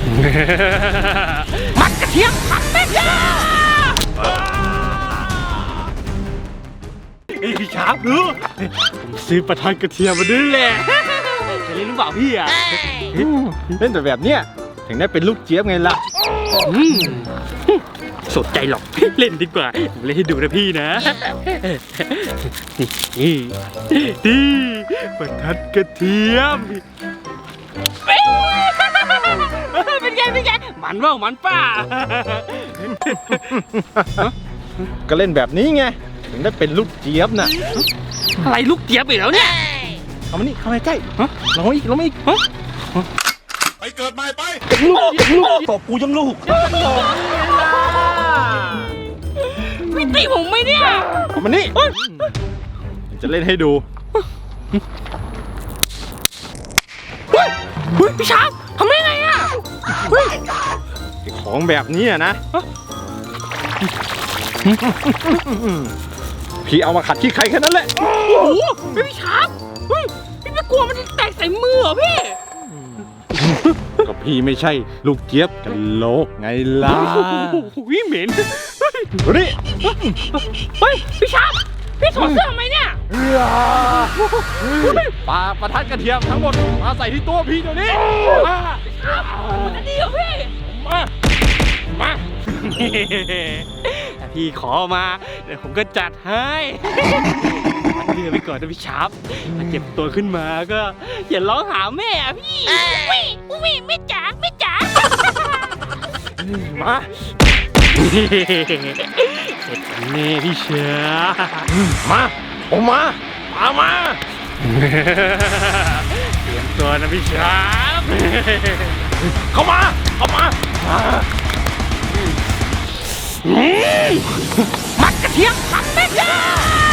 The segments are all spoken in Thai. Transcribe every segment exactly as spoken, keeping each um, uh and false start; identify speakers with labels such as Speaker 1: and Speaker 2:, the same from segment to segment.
Speaker 1: มัดกระเทียมผัดแม่ยาไอพี่ชาร์ปดูผมซื้อประทัดกระเทียมมาด้วยแหละจะเล่นหรือเปล่าพี่อ่ะเล่นแต่แบบเนี้ยถึงได้เป็นลูกเจี๊ยบไงล่ะสนใจหรอกเล่นดีกว่าเล่นให้ดูนะพี่นะนี่นี่ประทัดกระเทียมเป็นไงเป็นไงมันว่ามันป่า
Speaker 2: ก็เล่นแบบนี้ไงถึงได้เป็นลูกเจี๊ยบน่ะ
Speaker 1: อะไรลูกเจี๊ยบอีกแล้วเนี่ย
Speaker 2: เข้ามานี่เข้ามาใกล้ลงมาอีกลงมาอีก
Speaker 3: ไปเกิดใหม่ไป
Speaker 2: ยังลูกยังลูกตบกูยังลูก
Speaker 1: ไม่ตีผมไหมเนี่ย
Speaker 2: เข้ามานี่จะเล่นให้ดู
Speaker 1: พี่ชาร์ปทำได้ไงอ่ะ
Speaker 2: ของแบบนี้นะพี่เอามาขัดที่ใครแค่นั้นแหละ
Speaker 1: โอ้โหพี่ชาร์ปพี่ไม่กลัวมันแตกใส่มือเหรอพี่
Speaker 2: ก็พี่ไม่ใช่ลูกเจี๊ยบกันโลกไงล่ะ
Speaker 1: วิ่งเหม็น
Speaker 2: นี่
Speaker 1: เฮ้ยพี่ชาร์ปพี่ถอดเสื้อทำไมเนี่ย
Speaker 2: ปลาประทัดกระเทียมทั้งหมดมาใส่ที่ตัวพี่เดี๋ยวนี้
Speaker 1: มันดีเหรอพี่
Speaker 2: มามา
Speaker 1: พี่ขอมาเดี๋ยวผมก็จัดให้เดือไปก่อนนะพี่ชาร์ปถ้าเจ็บตัวขึ้นมาก็อย่าร้องหาแม่อะพี่อุ้ยอุ้ยไม่จ๋าไม่จ๋า
Speaker 2: มา
Speaker 1: เสร็จแน่พี่เชื่อ
Speaker 2: มาออกมาตามมา
Speaker 1: เตรียมตัวนะพี่ชาร์ป
Speaker 2: เข้ามาเข้ามา
Speaker 1: มัดกระเทียมผัดแม่ยา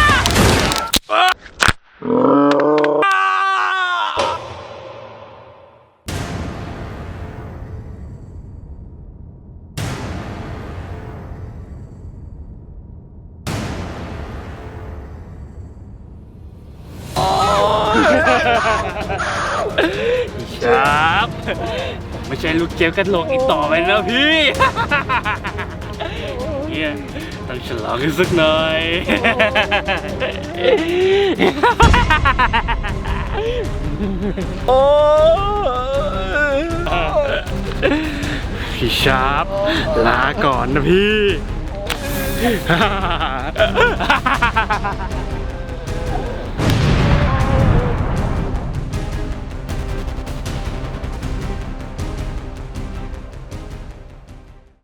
Speaker 1: ครับไม่ใช่ลูกเจี๊ยบกันหลงอีกต่อไปแล้วพี่เนี่ยต้องฉลองกันสักหน่อย
Speaker 2: โอ้
Speaker 1: พี่ชาร์ปลาก่อนนะพี่